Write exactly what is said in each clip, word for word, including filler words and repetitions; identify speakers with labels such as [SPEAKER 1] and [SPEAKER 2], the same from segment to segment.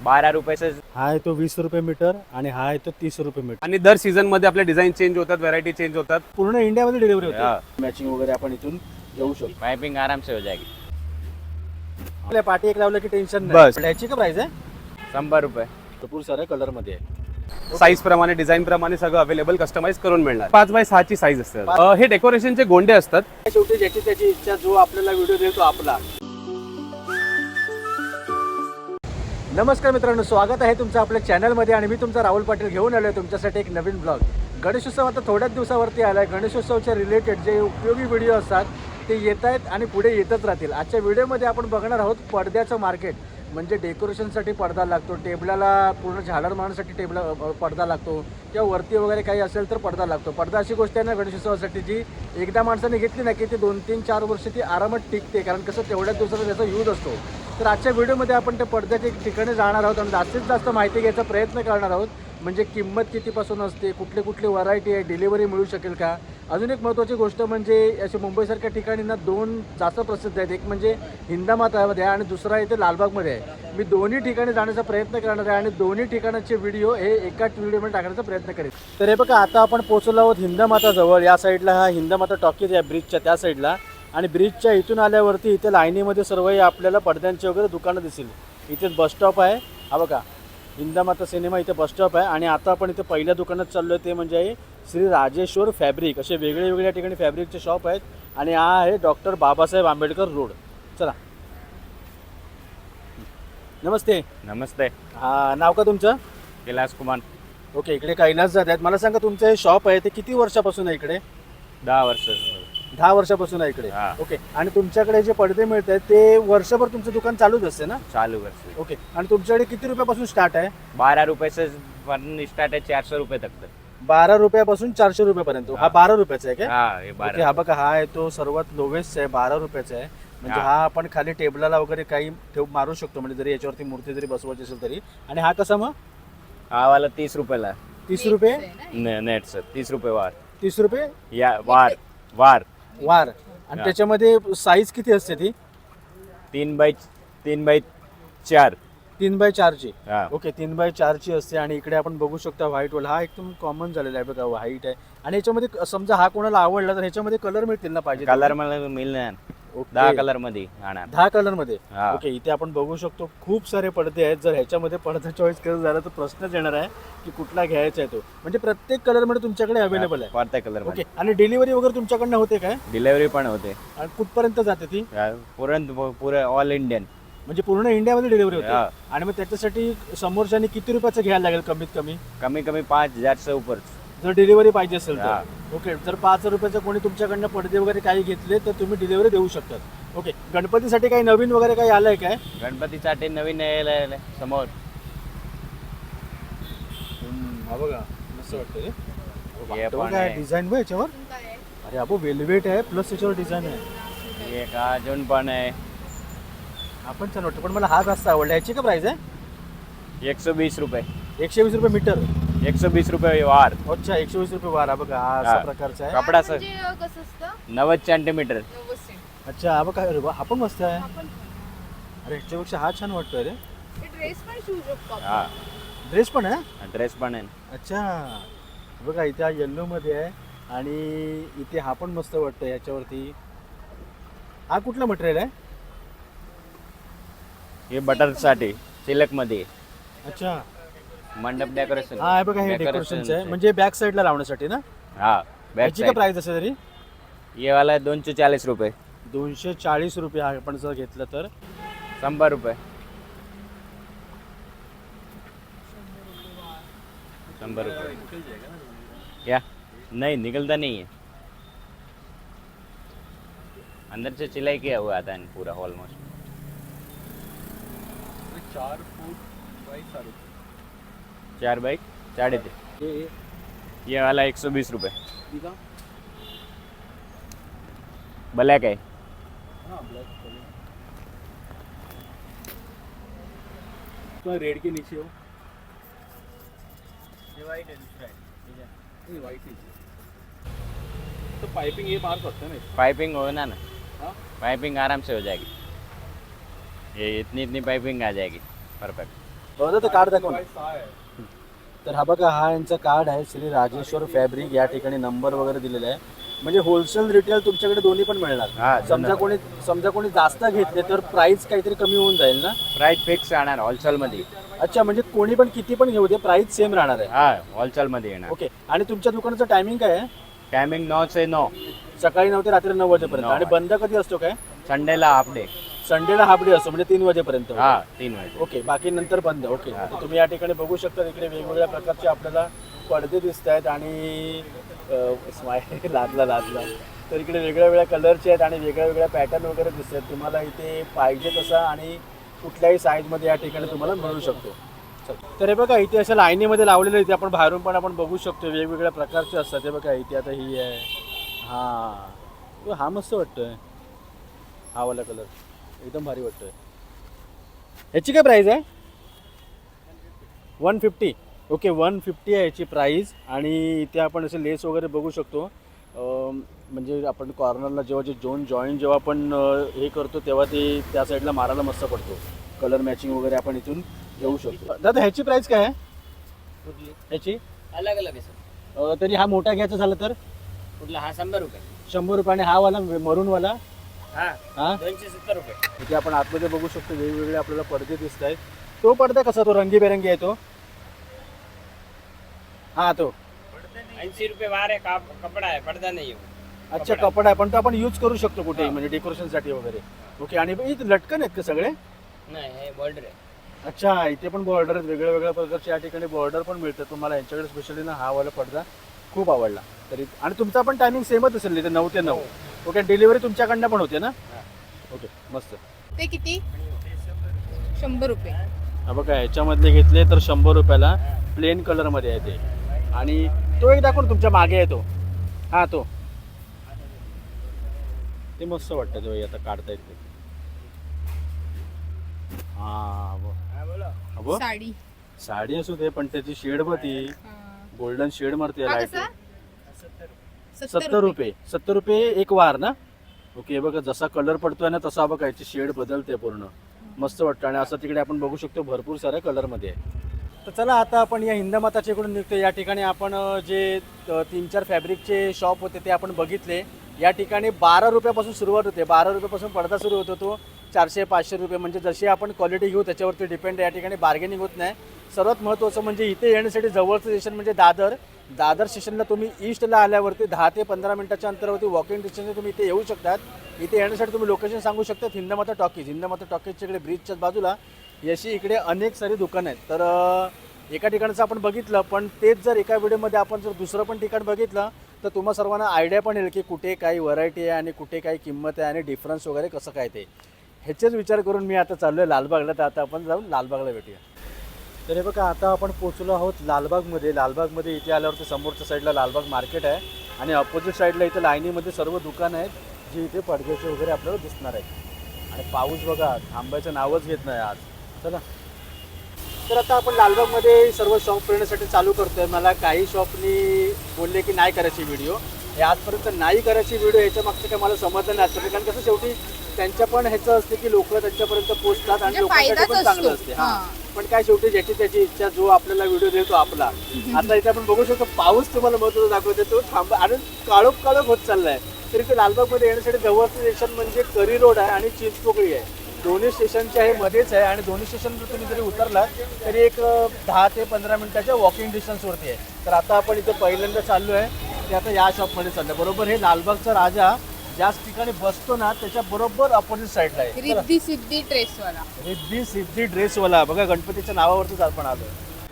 [SPEAKER 1] बारा रुपये से
[SPEAKER 2] हा आहे तो वीस रुपये मीटर आणि हा आहे तो तीस रुपये मीटर.
[SPEAKER 3] आणि दर सीझन मध्ये आपले डिझाईन चेंज होतात, व्हरायटी चेंज होतात.
[SPEAKER 2] पूर्ण इंडियामध्ये डिलिव्हरी
[SPEAKER 1] हा.
[SPEAKER 2] होते. मॅचिंग वगैरे आपण इथून घेऊ शकतो.
[SPEAKER 1] पाइपिंग आराम से हो जाएगी.
[SPEAKER 2] आपल्या पाठी एक लावलं की टेन्शन
[SPEAKER 3] बस.
[SPEAKER 2] याची का प्राइस आहे?
[SPEAKER 1] शंभर रुपये.
[SPEAKER 2] भरपूर साऱ्या कलर मध्ये आहे.
[SPEAKER 3] साईज प्रमाणे, डिझाईन प्रमाणे सगळं अवेलेबल कस्टमाइज करून मिळणार. पाच बाय सहाची साईज असते. अं, हे डेकोरेशनचे गोंडे असतात.
[SPEAKER 2] शेवटी ज्याची त्याची इच्छा, जो आपल्याला व्हिडिओ देतो आपला. नमस्कार मित्रांनो, स्वागत आहे तुमचं आपल्या चॅनलमध्ये आणि मी तुमचा राहुल पाटील घेऊन आलो आहे तुमच्यासाठी एक नवीन ब्लॉग. गणेशोत्सव आता थोड्याच दिवसावरती आला आहे. गणेशोत्सवच्या रिलेटेड जे उपयोगी व्हिडिओ असतात ते येत आहेत आणि पुढे येतच राहतील. आजच्या व्हिडिओमध्ये आपण बघणार आहोत पडद्याचं मार्केट. म्हणजे डेकोरेशनसाठी पडदा लागतो, टेबलाला पूर्ण झालर मारण्यासाठी टेबला पडदा लागतो, किंवा वरती वगैरे काही असेल तर पडदा लागतो. पडदा अशी गोष्ट आहे ना गणेशोत्सवासाठी, जी एकदा माणसाने घेतली ना की ती दोन तीन चार वर्ष ती आरामात टिकते, कारण कसं तेवढ्याच दिवसाचा त्याचा यूज असतो. तर आजच्या व्हिडिओमध्ये आपण त्या पडद्याच्या ठिकाणी जाणार आहोत आणि जास्तीत जास्त माहिती घ्यायचा प्रयत्न करणार आहोत. म्हणजे किंमत कितीपासून असते, कुठले कुठले व्हरायटी आहे, डिलिव्हरी मिळू शकेल का. अजून एक महत्त्वाची गोष्ट म्हणजे असे मुंबईसारख्या ठिकाणी ना दोन जास्त प्रसिद्ध आहेत. एक म्हणजे हिंदामातामध्ये आहे आणि दुसरा इथे लालबागमध्ये आहे. मी दोन्ही ठिकाणी जाण्याचा प्रयत्न करणार आहे आणि दोन्ही ठिकाणाचे व्हिडिओ हे एकाच व्हिडिओमध्ये टाकण्याचा प्रयत्न करेन. तर हे बघा, आता आपण पोहोचलो आहोत हिंदामाताजवळ. या साईडला हा हिंदामाता टॉकीज आहे ब्रिजच्या त्या साईडला, आणि ब्रिजच्या इथून आल्यावरती इथे लाईनीमध्ये सर्व आपल्याला पडद्यांचे वगैरे दुकानं दिसतील. इथे बसस्टॉप आहे. हा बघा, हिंदामाता सिनेमा इथे बसस्टॉप आहे. आणि आता आपण इथे पहिल्या दुकानात चाललो आहे, ते म्हणजे आहे श्री राजेश्वर फॅब्रिक. असे वेगळे वेगळ्या ठिकाणी फॅब्रिकचे शॉप आहेत. आणि हा आहे डॉक्टर बाबासाहेब आंबेडकर रोड. चला, नमस्ते.
[SPEAKER 1] नमस्ते.
[SPEAKER 2] हा, नाव का तुमचं?
[SPEAKER 1] कैलाश कुमार.
[SPEAKER 2] ओके, इकडे कैलास जात आहेत. मला सांगा, तुमचं हे शॉप आहे ते किती वर्षापासून आहे इकडे?
[SPEAKER 1] दहा वर्ष.
[SPEAKER 2] दहा वर्षापासून आहे इकडे.
[SPEAKER 1] हा.
[SPEAKER 2] ओके, आणि तुमच्याकडे जे पडदे मिळत आहेत ते वर्षभर तुमचं दुकान चालूच असते ना?
[SPEAKER 1] चालू वर्ष.
[SPEAKER 2] ओके, आणि तुमच्याकडे किती रुपयापासून स्टार्ट आहे?
[SPEAKER 1] बारह रुपये से स्टार्ट है, चार सौ रुपये तक तक.
[SPEAKER 2] बारा रुपयापासून चारशे रुपयापर्यंत. हा बारा रुपयाचा आहे का?
[SPEAKER 1] हाँ ये
[SPEAKER 2] ओके,
[SPEAKER 1] बारह.
[SPEAKER 2] हा बघा, हा आहे तो सर्वात लोवेस्ट आहे, बारा रुपयाचा आहे. म्हणजे
[SPEAKER 1] हा.
[SPEAKER 2] हा आपण खाली टेबलाला वगैरे काही ठेव मारू शकतो, म्हणजे जरी याच्यावरती मूर्ती जरी बसवायची असेल तरी. आणि हा कसा मग?
[SPEAKER 1] हा वाला तीस रुपयाला.
[SPEAKER 2] तीस रुपये
[SPEAKER 1] ने- नेट सर तीस रुपये वार.
[SPEAKER 2] तीस रुपये
[SPEAKER 1] या वार वार
[SPEAKER 2] वार. आणि
[SPEAKER 1] हा.
[SPEAKER 2] त्याच्यामध्ये साईज किती असते ती?
[SPEAKER 1] तीन बाय तीन बाय चार.
[SPEAKER 2] तीन बाय चारची.
[SPEAKER 1] हा.
[SPEAKER 2] ओके, तीन बाय चारची असते. आणि इकडे आपण बघू शकता व्हाईट वाला, हा एकदम कॉमन झालेला आहे बघा, व्हाईट आहे. आणि याच्यामध्ये समजा हा कोणाला आवडला तर ह्याच्यामध्ये कलर मिळतील ना पाहिजे?
[SPEAKER 1] कलर मला मिळणार.
[SPEAKER 2] ओके.
[SPEAKER 1] दहा कलर मध्ये आणा.
[SPEAKER 2] दहा कलर मध्ये.
[SPEAKER 1] हा.
[SPEAKER 2] ओके, इथे आपण बघू शकतो खूप सारे पडदे आहेत. जर ह्याच्यामध्ये पडदा चॉईस करत झाला तर प्रश्नच येणार आहे की कुठला घ्यायचा आहे तो. म्हणजे प्रत्येक कलर मध्ये तुमच्याकडे अवेलेबल आहे.
[SPEAKER 1] प्रत्येक कलर
[SPEAKER 2] ओके,
[SPEAKER 1] मध्ये
[SPEAKER 2] आणि डिलिव्हरी वगैरे तुमच्याकडनं होते काय?
[SPEAKER 1] डिलिव्हरी पण होते.
[SPEAKER 2] आणि कुठपर्यंत जाते ती?
[SPEAKER 1] पूर्ण पुरे ऑल इंडियन.
[SPEAKER 2] म्हणजे पूर्ण इंडियामध्ये डिलिव्हरी
[SPEAKER 1] हा.
[SPEAKER 2] होते. आणि मग त्याच्यासाठी समोरच्यानी किती रुपयाचं घ्यायला लागेल कमीत कमी,
[SPEAKER 1] कमी कमी पाच हजार से ऊपर.
[SPEAKER 2] जर डिलिव्हरी पाहिजे असेल
[SPEAKER 1] हा.
[SPEAKER 2] तर? ओके, जर पाच रुपयाचं कोणी तुमच्याकडनं पडदे वगैरे काही घेतले तर तुम्ही डिलिव्हरी देऊ शकतात. ओके, गणपतीसाठी काही नवीन वगैरे काही आलंय काय?
[SPEAKER 1] गणपतीसाठी नवीन यायला समोर.
[SPEAKER 2] हा बघा, मस्त वाटतं रे.
[SPEAKER 1] हे
[SPEAKER 2] तो
[SPEAKER 1] पण
[SPEAKER 2] काय
[SPEAKER 1] आहे.
[SPEAKER 2] डिझाईन बघ याच्यावर. अरे अबो, वेलवेट आहे प्लस त्याच्यावर डिझाईन आहे.
[SPEAKER 1] एक अजून पण आहे.
[SPEAKER 2] आपण छान वाटतं, पण मला हा जास्त आवडला. याची का प्राइस आहे?
[SPEAKER 1] एक सौ बीस रुपये.
[SPEAKER 2] एकशे वीस रुपये मीटर.
[SPEAKER 1] एक सौ बीस रुपये वार.
[SPEAKER 2] अच्छा, एकशे वीस रुपये वारा. बघा, हा अशा
[SPEAKER 1] हा.
[SPEAKER 2] प्रकारचा आहे.
[SPEAKER 1] कपडा सर
[SPEAKER 4] म्हणजे कसं असतं?
[SPEAKER 1] नव्वद सेंटीमीटर.
[SPEAKER 4] नव्वद सेंट.
[SPEAKER 2] अच्छा, हा बघा, अरे वा, हा पण मस्त आहे.
[SPEAKER 4] आपण
[SPEAKER 2] अरे ह्याच्यापेक्षा हा छान वाटतोय रे.
[SPEAKER 4] हे ड्रेस पण शिवू शकतो आपण.
[SPEAKER 1] हा
[SPEAKER 2] ड्रेस पण आहे.
[SPEAKER 1] ड्रेस पण आहे.
[SPEAKER 2] अच्छा, बघा इथे हा येल्लो मध्ये आहे आणि इथे हा पण मस्त वाटतोय याच्यावरती. हा कुठला मटेरियल आहे?
[SPEAKER 1] हे बटर साठी सिल्क मध्ये.
[SPEAKER 2] अच्छा,
[SPEAKER 1] मंडप डेकोरेशन.
[SPEAKER 2] हा बघा, हे डेकोरेशनचं आहे, म्हणजे बॅक साईडला लावण्यासाठी ना?
[SPEAKER 1] हा बॅक
[SPEAKER 2] याची काय
[SPEAKER 1] साइड.
[SPEAKER 2] प्राइस असेल तरी?
[SPEAKER 1] ये वाला दोनशे चाळीस रुपये.
[SPEAKER 2] दोनशे चाळीस रुपये आपण जर घेतलं तर.
[SPEAKER 1] शंभर रुपये. शंभर रुपये. क्या नहीं निकलता नहीं है. अंदर से सिलाई किया हुआ आता है पूरा ऑलमोस्ट.
[SPEAKER 3] चार फूट बाय साडे
[SPEAKER 1] चार बाई साढ़े तीन. ये वाला एक सौ बीस रुपये. ब्लैक है.
[SPEAKER 3] रेड के नीचे हो.
[SPEAKER 1] ये वाइट है दूसरा है.
[SPEAKER 3] व्हाइट तो पाइपिंग ये मार सकते हैं ना.
[SPEAKER 1] पाइपिंग होना ना.
[SPEAKER 3] हाँ?
[SPEAKER 1] पाइपिंग आराम से हो जाएगी. ये इतनी इतनी पाइपिंग आ जाएगी परफेक्ट.
[SPEAKER 2] बघा ते कार्ड दाखव ना. तर हा बघा हा यांचा कार्ड आहे श्री राजेश्वर फॅब्रिक. या ठिकाणी नंबर वगैरे दिलेला आहे. म्हणजे होलसेल रिटेल तुमच्याकडे दोन्ही पण
[SPEAKER 1] हा,
[SPEAKER 2] मिळणार. समजा कोणी समजा कोणी जास्त घेतले तर प्राइस काहीतरी कमी होऊन जाईल ना.
[SPEAKER 1] प्राईस फिक्स राहणार होलसेलमध्ये.
[SPEAKER 2] अच्छा, म्हणजे कोणी पण किती पण घेऊ दे प्राइस सेम राहणार आहे.
[SPEAKER 1] हा होलसेलमध्ये येणार.
[SPEAKER 2] ओके. आणि तुमच्या दुकानाचं टायमिंग काय आहे?
[SPEAKER 1] टायमिंग नऊ ते नऊ,
[SPEAKER 2] सकाळी नऊ ते रात्री नऊ वाजेपर्यंत.
[SPEAKER 1] नऊ
[SPEAKER 2] आणि बंद कधी असतो काय?
[SPEAKER 1] संडेला हाफ डे.
[SPEAKER 2] संडेला हाफ डे असतो म्हणजे तीन वाजेपर्यंत.
[SPEAKER 1] हा तीन वाजे.
[SPEAKER 2] ओके. बाकी नंतर बंद. ओके. तर तुम्ही या ठिकाणी बघू शकता इकडे वेगवेगळ्या प्रकारचे आपल्याला पडदे दिसत आहेत आणि स्माईल लादला लादला तर इकडे वेगळ्या वेगळ्या कलरचे आहेत आणि वेगळ्या वेगळ्या पॅटर्न वगैरे दिसत आहेत. तुम्हाला इथे पाहिजे तसा आणि कुठल्याही साईजमध्ये या ठिकाणी तुम्हाला मिळू शकतो. तर हे बघा इथे अशा लाईनीमध्ये लावलेलं इथे आपण बाहेरून पण आपण बघू शकतो वेगवेगळ्या प्रकारचे असतात. हे बघा इथे आता ही आहे. हां हा मस्त वाटतोय. हा वाला कलर एकदम भारी वाटतोय. ह्याची काय प्राईस आहे? One fifty. Okay one fifty आहे याची प्राईस. आणि इथे आपण असे लेस वगैरे बघू शकतो. म्हणजे आपण कॉर्नरला जेव्हा जे जोन जॉईंट जेव्हा आपण हे करतो तेव्हा ते त्या साईडला मारायला मस्त पडतो. कलर मॅचिंग वगैरे आपण इथून घेऊ शकतो. दादा ह्याची प्राईस काय आहे? ह्याची
[SPEAKER 1] अलग अलग आहे सर.
[SPEAKER 2] तरी हा मोठा घ्यायचा झाला तर
[SPEAKER 1] कुठला? हा शंभर रुपये.
[SPEAKER 2] शंभर रुपये. आणि हा वाला मरूनवाला
[SPEAKER 1] हा
[SPEAKER 2] हा
[SPEAKER 1] दोनशे सत्तर रुपये.
[SPEAKER 2] इथे आपण आतमध्ये बघू शकतो वेगवेगळे आपल्याला पडदे दिसत आहेत. तो पडदा कसा? तो रंगीबेरंगी आहे तो. हा तो
[SPEAKER 1] ऐंशी रुपये बार आहे. का कपडा आहे, पडदा नाही आहे.
[SPEAKER 2] अच्छा कपडा आहे पण तो आपण यूज करू शकतो कुठेही म्हणजे डेकोरेशनसाठी वगैरे. ओके. आणि इथे लटकन आहेत का सगळे?
[SPEAKER 1] नाही हे बॉर्डर आहे.
[SPEAKER 2] अच्छा इथे पण बॉर्डर आहेत वेगळ्या वेगळ्या प्रकारचे या ठिकाणी बॉर्डर पण मिळतात तुम्हाला. यांच्याकडे स्पेशली ना हा वाला पडदा खूप आवडला. तरी आणि तुमचा पण टायमिंग सेमच असेल इथे नऊ ते नऊ. ओके. डिलिव्हरी तुमच्याकडनं पण होते ना? ओके मस्त.
[SPEAKER 4] ते किती? शंभर रुपये.
[SPEAKER 2] हा बघा ह्याच्यामधले घेतले तर शंभर रुपयाला प्लेन कलरमध्ये आहे ते. आणि तो एक दाखवून तुमच्या मागे आहे तो. हा तो ते मस्त वाटतं तो आता काढता येते. हा बघ
[SPEAKER 4] साडी
[SPEAKER 2] साडी असू दे पण त्याची शेड बघ ती गोल्डन शेड मारते
[SPEAKER 4] हा
[SPEAKER 2] लाईट.
[SPEAKER 4] कसा?
[SPEAKER 2] सत्तर रुपये. सत्तर रुपये एक वार ना. ओके. बघा जसा कलर पडतोय ना तसा बघा याची शेड बदलते पूर्ण. मस्त वाटतं. आणि असं तिकडे आपण बघू शकतो भरपूर साऱ्या कलरमध्ये आहे. तर चला आता आपण या हिंदमाताच्या इकडून निघतो. या ठिकाणी आपण जे तीन चार फॅब्रिकचे शॉप होते ते आपण बघितले. या ठिकाणी बारा रुपयापासून सुरुवात होते. बारा रुपयापासून पडदा सुरू होतो तो चारशे पाचशे रुपये. म्हणजे जशी आपण क्वालिटी घेऊ त्याच्यावरती डिपेंड. या ठिकाणी बार्गेनिंग होत नाही. सर्वात महत्त्वाचं म्हणजे इथे येण्यासाठी जवळचं स्टेशन म्हणजे दादर. दादर स्टेशनला तुम्ही ईस्टला आल्यावरती दहा ते पंधरा मिनिटाच्या अंतरावरती वॉकिंग डिस्टन्सने तुम्ही इथे येऊ शकतात. इथे येण्यासाठी तुम्ही लोकेशन सांगू शकता. हिंदमाता टॉकीज. हिंदमाता टॉकीजच्या इकडे ब्रिजच्याच बाजूला यशी इकडे अनेक सारी दुकानं आहेत. तर एका ठिकाणचं आपण बघितलं पण तेच जर एका व्हिडिओमध्ये आपण जर दुसरं पण ठिकाण बघितलं तर तुम्हा सर्वांना आयडिया पण येईल की कुठे काही व्हरायटी आहे आणि कुठे काही किंमत आहे आणि डिफरन्स वगैरे कसं काय ते. ह्याचेच विचार करून मी आता चाललो आहे लालबागला. तर आता आपण जाऊन लालबागला भेटूया. तर हे बघा आता आपण पोचलो आहोत लालबागमध्ये. लालबागमध्ये इथे आल्यावरती समोरच्या साईडला लालबाग मार्केट आहे आणि अपोजिट साईडला इथे लाईनीमध्ये सर्व दुकानं आहेत जी इथे पडद्याचे वगैरे आपल्याला दिसणार आहेत. आणि पाऊस बघा थांबायचं नावच घेत नाही आज. चला तर आता आपण लालबागमध्ये सर्व शॉप फिरण्यासाठी चालू करतोय. मला काही शॉपनी बोलले की नाही करायची व्हिडिओ. हे आजपर्यंत नाही करायची व्हिडिओ ह्याच्या मागचं काय मला समजलं नाही आजपर्यंत. कारण कसं शेवटी त्यांच्या पण ह्याचं असते की लोक त्यांच्यापर्यंत पोहोचतात आणि लोकांसाठी पण चांगलं असते. हां पण काय शेवटी ज्याची त्याची इच्छा जो आपल्याला व्हिडिओ देतो आपला. आता इथे आपण बघू शकतो पाऊस तुम्हाला महत्त्वाचा दाखवतो तो थांबा आणि काळोख काळोख होत चाललाय. तरी ते लालबागमध्ये येण्यासाठी जवळचं स्टेशन म्हणजे करी रोड आहे आणि चिंचपोकळी आहे. दोन्ही स्टेशनच्या हे मध्येच आहे आणि दोन्ही स्टेशनवर तुम्ही जरी उतरलात तरी एक दहा ते पंधरा मिनिटाच्या वॉकिंग डिस्टन्सवरती आहे. तर आता आपण इथे पहिल्यांदा चाललो आहे ते आता या शॉपमध्ये चाललं. बरोबर हे लालबागचा राजा ज्याच ठिकाणी बसतो ना त्याच्या बरोबर अपोजिट साईडला आहे
[SPEAKER 4] रिद्धी सिद्धी ड्रेसवाला.
[SPEAKER 2] रिद्धी सिद्धी ड्रेसवाला. बघा गणपतीच्या नावावरतीच आपण आलो.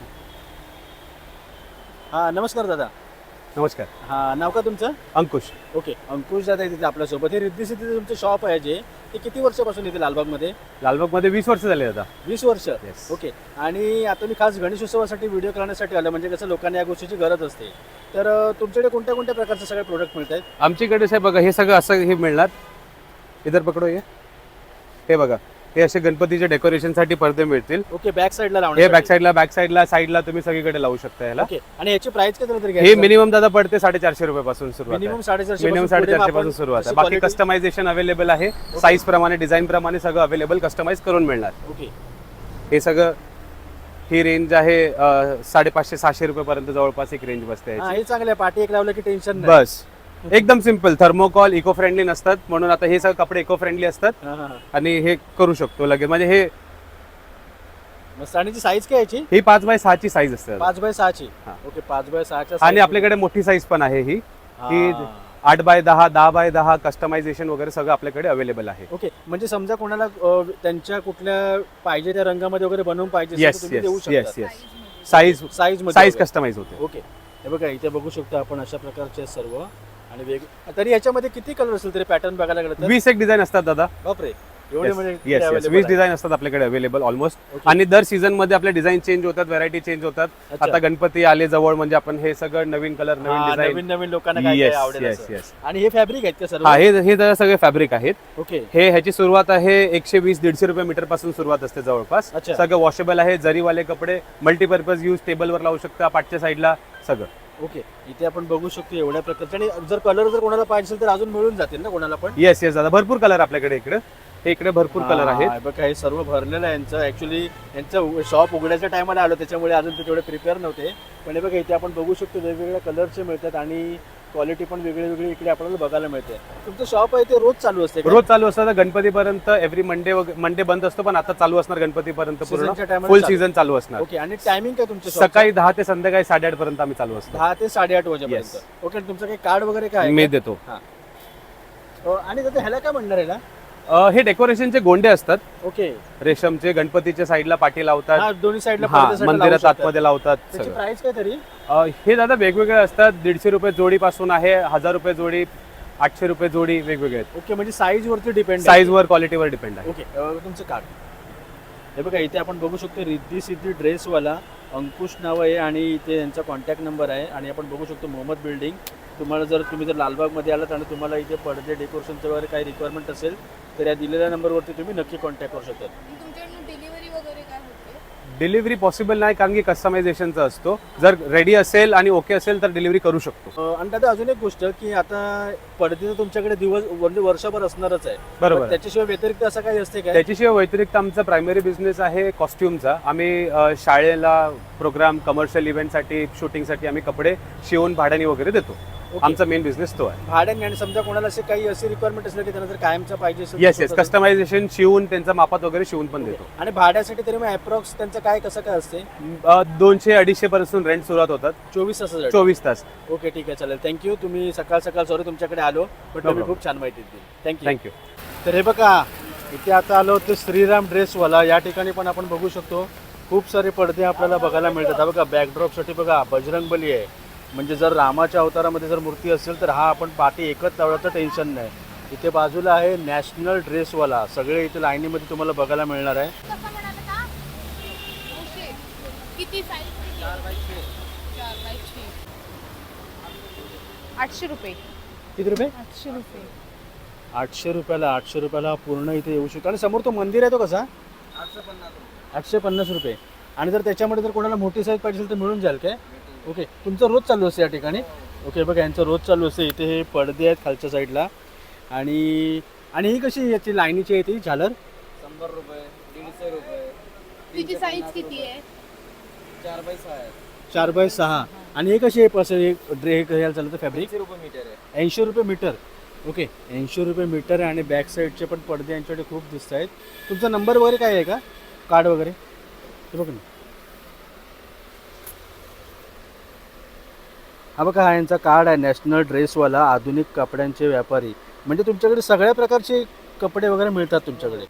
[SPEAKER 2] हा नमस्कार दादा.
[SPEAKER 3] नमस्कार.
[SPEAKER 2] हा नाव का तुमचं?
[SPEAKER 3] अंकुश.
[SPEAKER 2] ओके अंकुश दादा तिथे आपल्यासोबत. हे रिद्धी सिद्धी तुमचं शॉप आहे जे ते किती वर्षापासून इथे लालबागमध्ये?
[SPEAKER 3] लालबागमध्ये वीस वर्ष झाले आता.
[SPEAKER 2] वीस वर्ष.
[SPEAKER 3] Yes.
[SPEAKER 2] ओके. आणि आता मी खास गणेशोत्सवासाठी व्हिडिओ करण्यासाठी आलो म्हणजे कसं लोकांना या गोष्टीची गरज असते. तर तुमच्याकडे कोणत्या कोणत्या प्रकारचे सगळे प्रोडक्ट मिळत आहेत?
[SPEAKER 3] आमच्याकडे साहेब बघा हे सगळं असं हे मिळणार. इधर पकडो हे हे बघा हे असे गणपतीच्या डेकोरेशनसाठी पडदे मिळतील.
[SPEAKER 2] ओके. बॅक साईडला
[SPEAKER 3] हे
[SPEAKER 2] लावणार.
[SPEAKER 3] बॅक साईडला बॅक साईडला साईडला तुम्ही सगळीकडे लावू शकता याला.
[SPEAKER 2] ओके. आणि याची प्राइस काय तरी
[SPEAKER 3] हे मिनिमम दादा पडते साडेचारशे रुपयापासून सुरुवात आहे.
[SPEAKER 2] मिनिमम साडेचारशे
[SPEAKER 3] मिनिमम साडेचारशे पासून सुरुवात आहे. बाकी कस्टमायझेशन अवेलेबल आहे. साईज प्रमाणे डिझाईन प्रमाणे सगळं अवेलेबल कस्टमाइज करून मिळणार.
[SPEAKER 2] ओके.
[SPEAKER 3] हे सगळं ही रेंज आहे अ, साडेपाचशे सहाशे रुपयेपर्यंत जवळपास एक रेंज बसते
[SPEAKER 2] हा
[SPEAKER 3] याची.
[SPEAKER 2] हे चांगलं आहे, पाठी एक लावलं की टेन्शन नाही.
[SPEAKER 3] बस एकदम सिम्पल, थर्मोकॉल इको फ्रेंडली नसतात म्हणून आता हे सगळे कपडे इको फ्रेंडली असतात
[SPEAKER 2] हा, हा, हा.
[SPEAKER 3] आणि हे करू शकतो लगेच. म्हणजे हे
[SPEAKER 2] मस्त. आणि साईज काय याची?
[SPEAKER 3] ही पाच बाय सहाची साईज असते दादा.
[SPEAKER 2] पाच बाय सहाची.
[SPEAKER 3] हा.
[SPEAKER 2] ओके, पाच बाय सहाच्या
[SPEAKER 3] आणि
[SPEAKER 2] size
[SPEAKER 3] आपल्याकडे मोठी साईज पण आहे ही ही
[SPEAKER 2] हा.
[SPEAKER 3] आठ बाय दहा दहा बाय दहा कस्टमायझेशन वगैरे सगळं आपल्याकडे अवेलेबल आहे.
[SPEAKER 2] ओके, म्हणजे समजा कोणाला अ, त्यांच्या कुठल्या पाहिजे त्या रंगामध्ये वगैरे बनवून पाहिजे असेल तर
[SPEAKER 3] येस
[SPEAKER 2] तुम्ही देऊ
[SPEAKER 3] येस
[SPEAKER 2] शकता.
[SPEAKER 3] येस येस साईज
[SPEAKER 2] साईज मध्ये
[SPEAKER 3] साईज
[SPEAKER 2] वगैरे.
[SPEAKER 3] कस्टमाइज होते.
[SPEAKER 2] ओके, हे बघा इथे बघू शकतो आपण अशा प्रकारचे सर्व. आणि वेग तरी याच्यामध्ये किती कलर असेल तरी पॅटर्न बघायला गेलं तर?
[SPEAKER 3] वीस एक डिझाईन असतात दादा.
[SPEAKER 2] बापरे, एवढे म्हणजे
[SPEAKER 3] येस येस
[SPEAKER 2] available
[SPEAKER 3] वीस
[SPEAKER 2] आहे.
[SPEAKER 3] डिझाईन असतात आपल्याकडे अवेलेबल ऑलमोस्ट.
[SPEAKER 2] Okay.
[SPEAKER 3] आणि दर सीझन मध्ये आपले डिझाईन चेंज होतात, व्हरायटी चेंज होतात.
[SPEAKER 2] अच्छा.
[SPEAKER 3] आता गणपती आले जवळ म्हणजे आपण हे सगळं नवीन कलर नवीन
[SPEAKER 2] हा,
[SPEAKER 3] डिझाईन.
[SPEAKER 2] नवीन नवीन लोकांना काय काय
[SPEAKER 3] येस
[SPEAKER 2] आवडेल
[SPEAKER 3] येस
[SPEAKER 2] असं.
[SPEAKER 3] येस
[SPEAKER 2] आणि हे फॅब्रिक आहेत का सर्व?
[SPEAKER 3] हा हे हे जरा सगळे फॅब्रिक आहेत.
[SPEAKER 2] ओके,
[SPEAKER 3] हे ह्याची सुरुवात आहे एकशे वीस दीडशे रुपये मीटर पासून सुरुवात असते जवळपास.
[SPEAKER 2] अच्छा.
[SPEAKER 3] सगळं वॉशेबल आहे, जरीवाले कपडे, मल्टीपर्पज यूज, टेबलवर लावू शकता, पाठच्या साईडला सगळं.
[SPEAKER 2] ओके, इथे आपण बघू शकतो एवढ्या प्रकारचे. आणि जर कलर जर कोणाला पाहिजे असेल तर अजून मिळून जातील ना कोणाला पण?
[SPEAKER 3] येस येस दादा, भरपूर कलर आपल्याकडे इकडे. हे इकडे भरपूर कलर
[SPEAKER 2] हा,
[SPEAKER 3] आहेत.
[SPEAKER 2] हे बघा हे सर्व भरलेलं आहे यांचं. ऍक्च्युली यांचं शॉप उघड्याच्या टायमाला आलो त्याच्यामुळे अजून ते तेवढे प्रिपेअर नव्हते. पण हे बघा इथे आपण बघू शकतो वेगवेगळ्या कलरचे मिळतात आणि क्वालिटी पण वेगळी वेगळी इकडे आपल्याला बघायला मिळते. तुमचं शॉप आहे ते रोज चालू असते का?
[SPEAKER 3] रोज चालू असतं गणपतीपर्यंत. एव्हरी मंडे मंडे बंद असतो पण आता चालू असणार गणपतीपर्यंत पूर्ण
[SPEAKER 2] Seasonच्या time ला
[SPEAKER 3] फुल
[SPEAKER 2] चालू.
[SPEAKER 3] सीझन चालू असणार.
[SPEAKER 2] ओके, आणि टायमिंग काय तुमचं shop चं?
[SPEAKER 3] सकाळी दहा ते संध्याकाळी साडेआठ पर्यंत आम्ही चालू असतो.
[SPEAKER 2] दहा ते साडेआठ वाजेपर्यंत.
[SPEAKER 3] Yes.
[SPEAKER 2] ओके, तुमचं काही कार्ड वगैरे काय आहे
[SPEAKER 3] मी
[SPEAKER 2] का?
[SPEAKER 3] देतो.
[SPEAKER 2] हा. अ, आणि दादा ह्याला काय म्हणणार ह्याला?
[SPEAKER 3] अ, हे डेकोरेशनचे गोंडे असतात
[SPEAKER 2] ओके,
[SPEAKER 3] रेशमचे. गणपतीच्या साईडला पाठी लावतात.
[SPEAKER 2] हा दोन्ही साईडला
[SPEAKER 3] हा,
[SPEAKER 2] पडद्यासाठी लावू
[SPEAKER 3] मंदिरात
[SPEAKER 2] शकतात.
[SPEAKER 3] आतमध्ये लावतात
[SPEAKER 2] त्याची
[SPEAKER 3] सगळं.
[SPEAKER 2] प्राइस काय तरी?
[SPEAKER 3] अ, हे दादा वेगवेगळे असतात. दीडशे रुपये जोडी पासून आहे, हजार रुपये जोडी, आठशे रुपये जोडी, वेगवेगळे आहेत.
[SPEAKER 2] ओके, म्हणजे साईज वरती डिपेंड.
[SPEAKER 3] साईज वर क्वालिटीवर डिपेंड आहे.
[SPEAKER 2] ओके, अ, तुमचं कार्ड हे बघा इथे आपण बघू शकतो. रिद्धी सिद्धी ड्रेसवाला अंकुश नाव आहे आणि इथे यांचा कॉन्टॅक्ट नंबर आहे. आणि आपण बघू शकतो मोहम्मद बिल्डिंग. तुम्हाला जर तुम्ही जर लालबागमध्ये आलात आणि तुम्हाला इथे पडदे डेकोरेशनचं वगैरे काही रिक्वायरमेंट असेल तर या दिलेल्या नंबरवरती तुम्ही नक्की कॉन्टॅक्ट करू शकता.
[SPEAKER 4] तुमच्याकडनं डिलिव्हरी वगैरे काय होते?
[SPEAKER 3] डिलिव्हरी पॉसिबल नाही कारण की कस्टमायझेशनचं असतो. जर रेडी असेल आणि ओके असेल तर डिलिव्हरी करू शकतो.
[SPEAKER 2] अ, आणि दादा अजून एक गोष्ट की आता पडदे तर तुमच्याकडे दिवस म्हणजे वर्षभर असणारच आहे.
[SPEAKER 3] बरोबर.
[SPEAKER 2] पण त्याच्याशिवाय व्यतिरिक्त असं काही असते काय?
[SPEAKER 3] त्याच्याशिवाय व्यतिरिक्त आमचा प्रायमरी बिझनेस आहे कॉस्ट्युमचा. आम्ही अ, शाळेला प्रोग्राम, कमर्शियल इव्हेंटसाठी, शूटिंगसाठी आम्ही कपडे शिवून भाड्याने वगैरे देतो.
[SPEAKER 2] ओके.
[SPEAKER 3] आमचा मेन बिझनेस तो आहे.
[SPEAKER 2] भाड्याने. आणि समजा कोणाला असे काही असे रिक्वायरमेंट असले की त्यांना जर कायमचा पाहिजे असेल
[SPEAKER 3] येस
[SPEAKER 2] तर
[SPEAKER 3] येस
[SPEAKER 2] स्वतः-
[SPEAKER 3] कस्टमायझेशन शिवून त्यांचा मापात वगैरे शिवून पण देतो.
[SPEAKER 2] आणि भाड्यासाठी तरी मग अप्रॉक्स त्यांचं काय कसं काय असते?
[SPEAKER 3] अ, दोनशे अडीचशे पासून रेंट सुरुवात होतात.
[SPEAKER 2] चोवीस तासासाठी.
[SPEAKER 3] चोवीस तास.
[SPEAKER 2] ओके, ठीक आहे, चालेल. थँक्यू. तुम्ही सकाळ सकाळ सॉरी तुमच्याकडे आलो पण तुम्ही
[SPEAKER 3] problem.
[SPEAKER 2] खूप छान माहिती दिली. थँक्यू.
[SPEAKER 3] थँक्यू.
[SPEAKER 2] तर हे बघा इथे आता आलो होतो श्रीराम ड्रेसवाला. या ठिकाणी पण आपण बघू शकतो खूप सारे पडदे आपल्याला बघायला मिळतात. हा बघा बॅकड्रॉपसाठी बघा बजरंगबली आहे. म्हणजे जर रामाच्या अवतारामध्ये जर मूर्ती असेल तर हा आपण पाठी एकच लावण्याचं टेन्शन नाही. इथे बाजूला आहे नॅशनल ड्रेसवाला. सगळे इथे लाईनीमध्ये तुम्हाला बघायला मिळणार आहे.
[SPEAKER 4] कसं म्हणाले का? नऊशे. किती साईज? चार बाय छे. चार बाय छे. आठशे रुपये.
[SPEAKER 2] किती रुपये?
[SPEAKER 4] आठशे रुपये.
[SPEAKER 2] आठशे रुपयाला आठशे रुपयाला पूर्ण इथे येऊ शकतो. आणि समोर तो मंदिर आहे तो कसा? आठशे पन्नास रुपये. आणि जर त्याच्यामध्ये जर कोणाला मोठी साईज पाहिजे असेल तर मिळून जाईल काय? ओके, तुमचं रोज चालू असते या ठिकाणी? ओके, बघा यांचं रोज चालू असते. इथे हे पडदे आहेत खालच्या साईडला. आणि आणि ही कशी याची लाईनीची आहे ती झालर?
[SPEAKER 5] शंभर रुपये, दीडशे रुपये.
[SPEAKER 4] तिची साईज किती आहे?
[SPEAKER 5] चार बाय सहा आहे.
[SPEAKER 2] चार बाय सहा. आणि हे कशी आहे असं एक ड्रे हे घ्यायला चालतं फॅब्रिक?
[SPEAKER 5] ऐंशी रुपये मीटर आहे.
[SPEAKER 2] ऐंशी रुपये मीटर. ओके, ऐंशी रुपये मीटर आहे. आणि बॅक साईडचे पण पडदे यांच्याकडे खूप दिसत आहेत. तुमचा नंबर वगैरे काय आहे का? कार्ड वगैरे हे बघ ना. हा बघा हा यांचा कार्ड आहे नॅशनल ड्रेसवाला आधुनिक कपड्यांचे व्यापारी. म्हणजे तुमच्याकडे सगळ्या प्रकारचे कपडे वगैरे मिळतात तुमच्याकडे.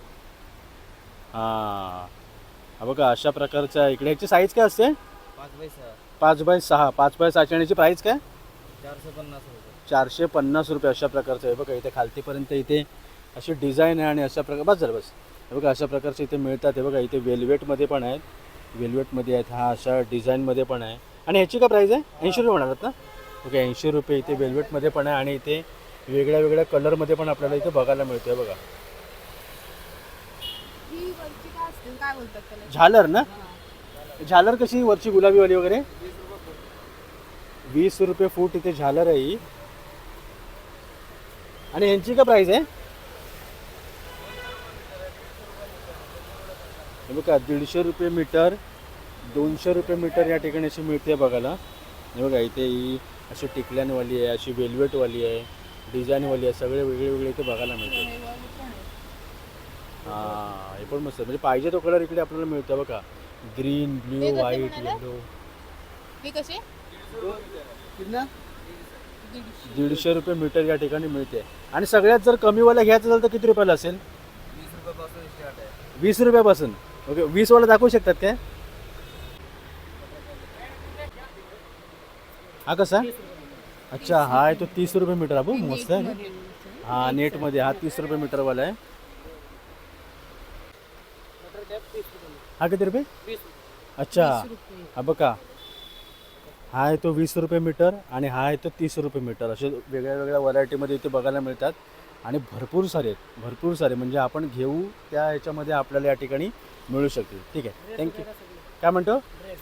[SPEAKER 2] हां, हा बघा अशा प्रकारचा इकडे. याची साईज काय असते?
[SPEAKER 5] पाच बाय सहा.
[SPEAKER 2] पाच बाय सहा. पाच बाय सहाची. आणि याची प्राईस काय?
[SPEAKER 5] चारशे पन्नास रुपये.
[SPEAKER 2] चारशे पन्नास रुपये. अशा प्रकारचं आहे बघा. इथे खालतीपर्यंत इथे अशी डिझाईन आहे आणि अशा प्रकार बस झालं बस. हे बघा अशा प्रकारचे इथे मिळतात. हे बघा इथे वेल्वेटमध्ये पण आहेत. वेल्वेटमध्ये आहेत. हा अशा डिझाईनमध्ये पण आहे. आणि ह्याची काय प्राईस आहे? ऐंशी रुपये म्हणालात ना? ओके, ऐंशी रुपये. इथे वेल्वेटमध्ये पण आहे आणि इथे वेगळ्या वेगळ्या कलरमध्ये पण आपल्याला इथे बघायला मिळतोय बघा.
[SPEAKER 4] ही वरची काय असते? काय बोलतात त्याला?
[SPEAKER 2] झालर ना? झालर कशी वरची गुलाबीवाली वगैरे? वीस रुपये फूट इथे झालर आहे ही. आणि ह्यांची काय प्राईस आहे? हे बघा दीडशे रुपये मीटर. दोनशे रुपये मीटर या ठिकाणी अशी मिळते बघायला. हे बघा इथे ही अशी टिकल्यांवाली आहे, अशी वेल्वेटवाली आहे, डिझाईनवाली आहे, सगळे वेगळे वेगळे इथे बघायला मिळते. हां हे पण मस्त म्हणजे पाहिजे तो कलर इकडे आपल्याला मिळतो बघा. ग्रीन,
[SPEAKER 4] हे
[SPEAKER 2] ब्ल्यू,
[SPEAKER 4] कसे
[SPEAKER 2] व्हाईट,
[SPEAKER 4] म्हणाला?
[SPEAKER 2] येलो.
[SPEAKER 4] हे कसे
[SPEAKER 2] दीडशे रुपये मीटर या ठिकाणी मिळते. आणि सगळ्यात जर कमीवाला घ्यायचं असेल तर किती रुपयाला असेल?
[SPEAKER 5] वीस रुपयापासून स्टार्ट आहे.
[SPEAKER 2] वीस रुपयापासून. ओके वीसवाला दाखवू शकतात काय? हा कसा? अच्छा हा आहे तो तीस रुपये मीटर. हा बघ मस्त आहे. हा नेटमध्ये हा तीस रुपये मीटरवाला आहे. हा किती रुपये? अच्छा हा बघा हा आहे तो वीस रुपये मीटर आणि हा आहे तो तीस रुपये मीटर. असे वेगळ्या वेगळ्या व्हरायटीमध्ये इथे बघायला मिळतात आणि भरपूर सारे आहेत भरपूर सारे म्हणजे आपण घेऊ त्या ह्याच्यामध्ये आपल्याला या ठिकाणी मिळू शकतील. ठीक आहे थँक्यू. काय म्हणतो?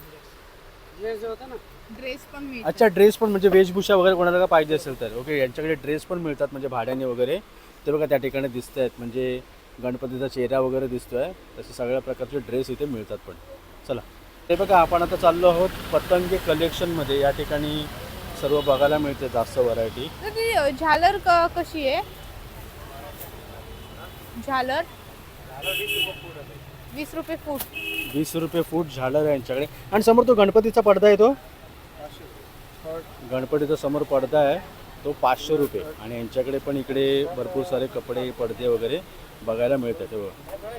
[SPEAKER 4] ड्रेस पण मिळतात.
[SPEAKER 2] अच्छा ड्रेस पण म्हणजे वेशभूषा वगैरे कोणाला का पाहिजे असेल तर ओके यांच्याकडे ड्रेस पण मिळतात म्हणजे भाड्याने वगैरे. ते बघा त्या ठिकाणी दिसत आहेत म्हणजे गणपतीचा चेहरा वगैरे दिसतो आहे तसे सगळ्या प्रकारचे ड्रेस इथे मिळतात पण. चला ते बघा आपण आता चाललो आहोत पतंगे कलेक्शनमध्ये. या ठिकाणी सर्व बघायला मिळते जास्त व्हरायटी.
[SPEAKER 4] तर ती झालर क- कशी आहे? झालर वीस रुपये फूट.
[SPEAKER 2] वीस रुपये फूट झालर आहे यांच्याकडे. आणि समोर तो गणपतीचा पडदा आहे तो गणपतीचा समोर पडदा आहे तो पाचशे रुपये. आणि यांच्याकडे पण इकडे भरपूर सारे कपडे पडदे वगैरे बघायला मिळतात. हो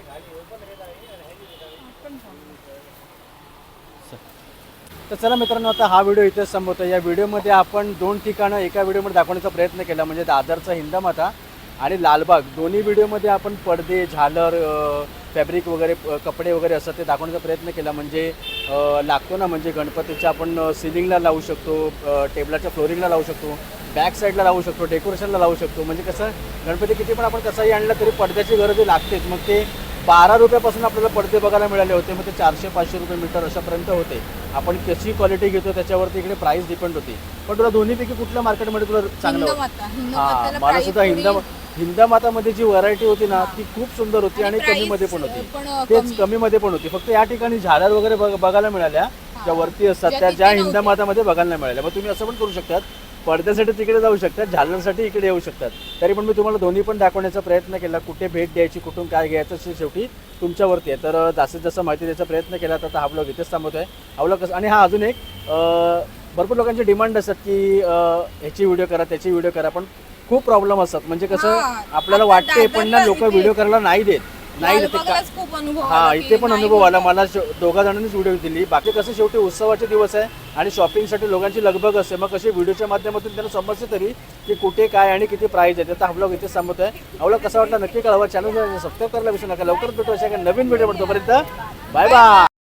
[SPEAKER 2] तर चला मित्रांनो आता हा व्हिडिओ इथेच संपवतो. या व्हिडिओमध्ये आपण दोन ठिकाणं एका व्हिडिओमध्ये दाखवण्याचा प्रयत्न केला म्हणजे दादरचा हिंदमाता आणि लालबाग. दोन्ही व्हिडिओमध्ये आपण पडदे झालर फॅब्रिक वगैरे कपडे वगैरे असं ते दाखवण्याचा प्रयत्न केला. म्हणजे लागतो ना म्हणजे गणपतीच्या आपण सिलिंगला लावू शकतो, टेबलाच्या फ्लोरिंगला लावू शकतो, बॅक साईडला लावू शकतो, डेकोरेशनला लावू शकतो. म्हणजे कसं गणपती किती पण आपण कसाही आणला तरी पडद्याची गरज लागतेच. मग ते बारा रुपयापासून आपल्याला पडदे बघायला मिळाले होते. मग ते चारशे पाचशे रुपये मीटर अशापर्यंत होते. आपण कशी क्वालिटी घेतो त्याच्यावरती इकडे प्राईस डिपेंड होती. पण तुला दोन्हीपैकी कुठल्या मार्केटमध्ये तुला चांगलं होतं?
[SPEAKER 4] हिंदमाता.
[SPEAKER 2] हां
[SPEAKER 4] हिंदमाताला
[SPEAKER 2] मला
[SPEAKER 4] price
[SPEAKER 2] सुद्धा
[SPEAKER 4] थोडी-
[SPEAKER 2] हिंदा हिंदामातामध्ये जी व्हरायटी होती ना ती खूप सुंदर होती आणि
[SPEAKER 4] आणि
[SPEAKER 2] कमीमध्ये पण
[SPEAKER 4] price
[SPEAKER 2] होती.
[SPEAKER 4] पण
[SPEAKER 2] तेच
[SPEAKER 4] कमी.
[SPEAKER 2] कमीमध्ये पण होती. फक्त या ठिकाणी झालर वगैरे बघ- बघायला मिळाल्या ज्या वरती असतात
[SPEAKER 4] ज्या
[SPEAKER 2] त्या
[SPEAKER 4] तिथे
[SPEAKER 2] ज्या
[SPEAKER 4] नव्हत्या.
[SPEAKER 2] हिंदामातामध्ये बघायला नाही मिळाल्या. मग तुम्ही असं पण करू शकतात पडद्यासाठी तिकडे जाऊ शकतात, झालरसाठी इकडे येऊ शकतात. तरी पण मी तुम्हाला दोन्ही पण दाखवण्याचा प्रयत्न केला. कुठे भेट द्यायची कुठून काय घ्यायचं ते शेवटी तुमच्यावरती आहे. तर जास्तीत जास्त माहिती द्यायचा प्रयत्न केला तर हा ब्लॉग इथेच थांबवतो आहे. हा ब्लॉग कसं आणि हा अजून एक अं, भरपूर लोकांचे डिमांड असतात की अं, ह्याची व्हिडिओ करा त्याची व्हिडिओ करा. पण खूप प्रॉब्लेम असतात म्हणजे कसं
[SPEAKER 4] हां,
[SPEAKER 2] आपल्याला
[SPEAKER 4] आता
[SPEAKER 2] वाटते पण ना
[SPEAKER 4] दादरला
[SPEAKER 2] लोक
[SPEAKER 4] इथे-
[SPEAKER 2] व्हिडिओ करायला नाही देत नाही देते का
[SPEAKER 4] लालबागलाच खूप अनुभव
[SPEAKER 2] हा
[SPEAKER 4] आला
[SPEAKER 2] इथे
[SPEAKER 4] की
[SPEAKER 2] पण
[SPEAKER 4] नाही
[SPEAKER 2] अनुभव आला
[SPEAKER 4] होत.
[SPEAKER 2] मला. श- दोघा जणांनीच व्हिडिओ दिली. बाकी कसं शेवटी उत्सवाचे दिवस आहे आणि शॉपिंगसाठी लोकांची लगबग असते. मग कसे व्हिडिओच्या माध्यमातून त्यांना समजते तरी की कुठे काय आणि किती प्राईज आहे. तर हा ब्लॉग इथे संपत आहे. हा ब्लॉग कसा वाटला नक्की कळवा. चॅनल सबस्क्राईब करायला विसरू नका. लवकरच भेटू अशा एका नवीन व्हिडिओ तोपर्यंत बाय बाय.